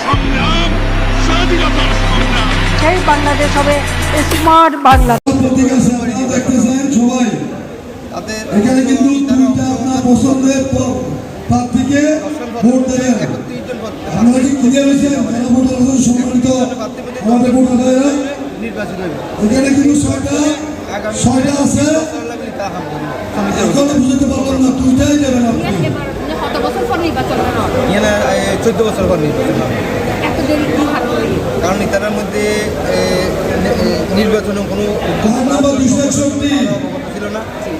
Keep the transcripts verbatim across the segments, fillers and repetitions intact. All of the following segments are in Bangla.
সংগ্রাম, স্বাধীনতার সংগ্রাম। সেই বাংলাদেশ হবে স্মার্ট বাংলাদেশ। সবাই এখানে কিন্তু দুইটা আপনার পছন্দের প্রার্থীকে ভোট দেবেন। আপনারা কি ক্লিয়ার হয়েছেন? যারা ভোট দিয়েছেন সম্মানিত আমাদের ভোটাররা, এখানে কিন্তু ছয়টা ছয়টা আছে। এখনো বুঝতে পারলাম না, দুইটাই দেবেন আপনি। কত বছর পর নির্বাচন চোদ্দ বছর পর নির্বাচন হবে। এত দেরি কি ভাবতে কারণ তার মধ্যে নির্বাচনে কোনো ছিল না।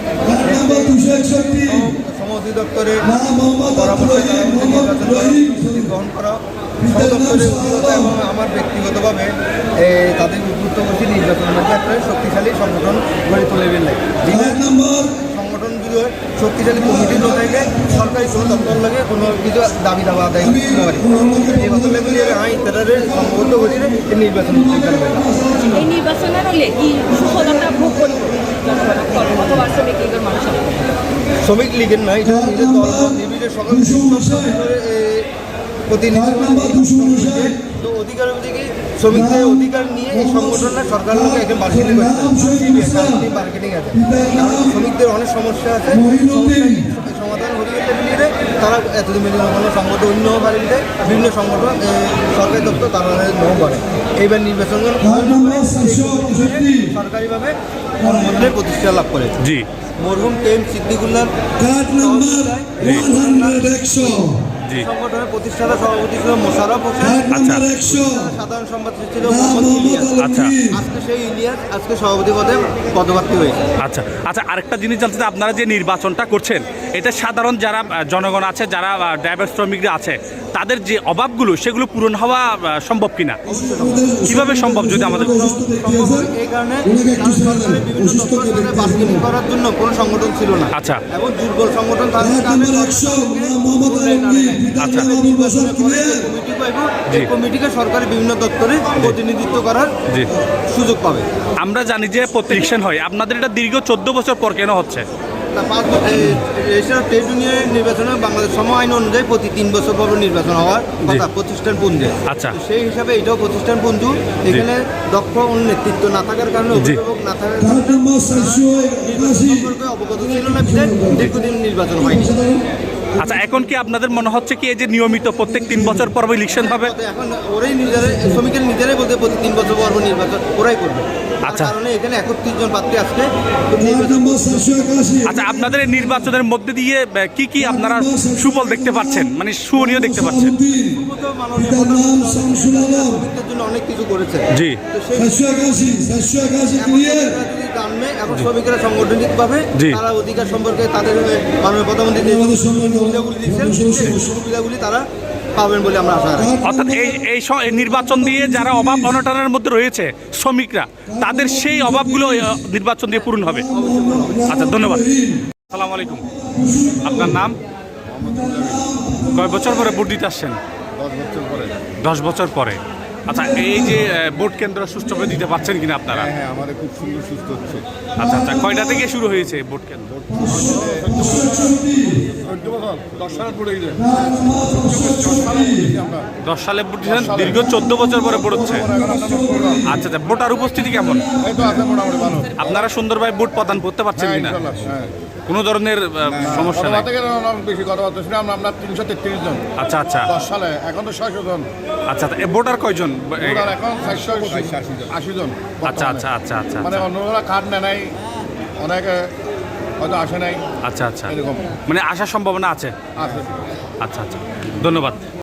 শ্রম অধিদপ্তরের পরামর্শ গ্রহণ করা, শ্রম দপ্তরের অভিজ্ঞতা এবং আমার ব্যক্তিগতভাবে তাদের উদ্বুদ্ধ করছি নির্বাচনের মধ্যে একটা শক্তিশালী সংগঠন গড়ে তুলবেন না। সংগঠনগুলো শক্তিশালী কমিটি না থাকলে সরকারি কোনো দপ্তর লাগে কোনো কিছু দাবি দাবা আদায় করতে পারে। নির্বাচন লেগে আইন তারা সংবদ্ধ করি এই নির্বাচন এই নির্বাচনের হলে কি সুফলতা ভোগ করব অথবা শ্রমিক লীগের মানুষের শ্রমিক লীগের নয়, এটা নিজের দল নির্বিশেষে সকল প্রতিনিধি তো অধিকার অধিকে শ্রমিকদের অধিকার নিয়ে এই সংগঠনটা সরকারের লোক এখন মার্কেটিং করছে, মার্কেটিং আছে। কারণ শ্রমিকদের অনেক সমস্যা আছে, সমাধান হরিয়ে মিলিয়ে তারা এতদিন মিলিয়ে কোনো সংগঠন অন্য বাড়ি মিলে বিভিন্ন সংগঠন সরকারি দপ্তর তারা নৌ করে। এইবার নির্বাচন সরকারিভাবে মন্ত্রণালয়ে প্রতিষ্ঠা লাভ করে। জি মরহুম কে এম সিদ্দিকুল্লাহ সংগঠনের প্রতিষ্ঠাতা সভাপতি ছিল মোশাররফ হোসেন, সাধারণ সম্পাদক ছিল মোহাম্মদ ইলিয়াস। আচ্ছা আজকে সেই ইলিয়াস আজকে সভাপতি পদে পদপ্রার্থী হয়েছে। আচ্ছা আচ্ছা আরেকটা জিনিস জানতে চাই, আপনারা যে নির্বাচনটা করছেন এটা সাধারণ যারা জনগণ আছে, যারা ড্রাইভার শ্রমিকরা আছে, তাদের যে অভাবগুলো সেগুলো পূরণ হওয়া সম্ভব কিনা, কিভাবে সম্ভব যদি আমাদের এই কারণে সরকারের বিভিন্ন দপ্তরের সাথে বার্গেনিং করার জন্য কোনো সংগঠন ছিল না। আচ্ছা এবং দুর্বল সংগঠন তাদের কারণে আচ্ছা কমিটি পাইব, এই কমিটিকে সরকারি বিভিন্ন দপ্তরে প্রতিনিধিত্ব করার সুযোগ পাবে। আমরা জানি যে প্রতিষ্ঠান হয়, আপনাদের এটা দীর্ঘ চোদ্দ বছর পর কেন হচ্ছে? ট্রেড ইউনিয়নের নির্বাচনে বাংলাদেশ সম আইন অনুযায়ী প্রতি তিন বছর পর নির্বাচন হওয়ার কথা প্রতিষ্ঠান পুঞ্জে। আচ্ছা সেই হিসাবে এটাও প্রতিষ্ঠান পুঞ্জু। এখানে দক্ষ নেতৃত্ব না থাকার কারণে, অভিভাবক না থাকার কারণে অবগত ছিল না, দীর্ঘদিন নির্বাচন হয়নি। আচ্ছা এখন কি আপনাদের মনে হচ্ছে কি এই যে নিয়মিত প্রত্যেক তিন বছর পর ইলেকশন হবে? এখন ওরাই নিজেরাই শ্রমিকের নিজেরাই বলতে প্রতি তিন বছর পর নির্বাচন ওরাই করবে। আচ্ছা কারণে এখানে একত্রিশ জন প্রার্থী আসছে। আচ্ছা আপনাদের এই নির্বাচনের মধ্যে দিয়ে কি কি আপনারা সুফল দেখতে পাচ্ছেন, মানে সুনীয় দেখতে পাচ্ছেন? জন্য অনেক কিছু করেছে। জি এখন শ্রমিকেরা সাংগঠনিকভাবে তারা অধিকার সম্পর্কে তাদের মাননীয় প্রধানমন্ত্রী যে সুবিধাগুলি দিচ্ছেন সেই সুবিধাগুলি তারা পাবেন বলে আমরা আশা রাখি। অর্থাৎ এই এই নির্বাচন দিয়ে যারা অভাব অনটনের মধ্যে রয়েছে শ্রমিকরা, তাদের সেই অভাবগুলো নির্বাচন দিয়ে পূরণ হবে। আচ্ছা ধন্যবাদ। আসসালামু আলাইকুম, আপনার নাম? কয় বছর পরে ভোট দিতে আসছেন? দশ বছর পরে। দশ বছর পরে। আচ্ছা এই যে ভোট কেন্দ্র সুষ্ঠুভাবে দিতে পারছেন কিনা আপনারা? হ্যাঁ আমাদের খুব সুন্দর সুস্থ হচ্ছে। আচ্ছা আচ্ছা কয়টা থেকে শুরু হয়েছে ভোট কেন্দ্র? দশ সালে ভোট দিয়েছেন, দীর্ঘ চোদ্দ বছর পরে ভোট হচ্ছে। আচ্ছা আচ্ছা ভোটার উপস্থিতি কেমন? আপনারা সুন্দরভাবে ভোট প্রদান করতে পারছেন কিনা? কোনো ধরনের সমস্যা নেই? বেশি কথাবার্তা শুনে আমরা তিনশো তেত্রিশ জন। আচ্ছা আচ্ছা দশ সালে এখন তো ছয়শো জন। আচ্ছা ভোটার কয়জন? এখন চারশো আশি জন। আচ্ছা আচ্ছা আচ্ছা আচ্ছা মানে অন্যরা কার্ড নেয় নাই, অনেকে হয়তো আসে নাই। আচ্ছা আচ্ছা এরকম মানে আসার সম্ভাবনা আছে। আছে। আচ্ছা আচ্ছা ধন্যবাদ।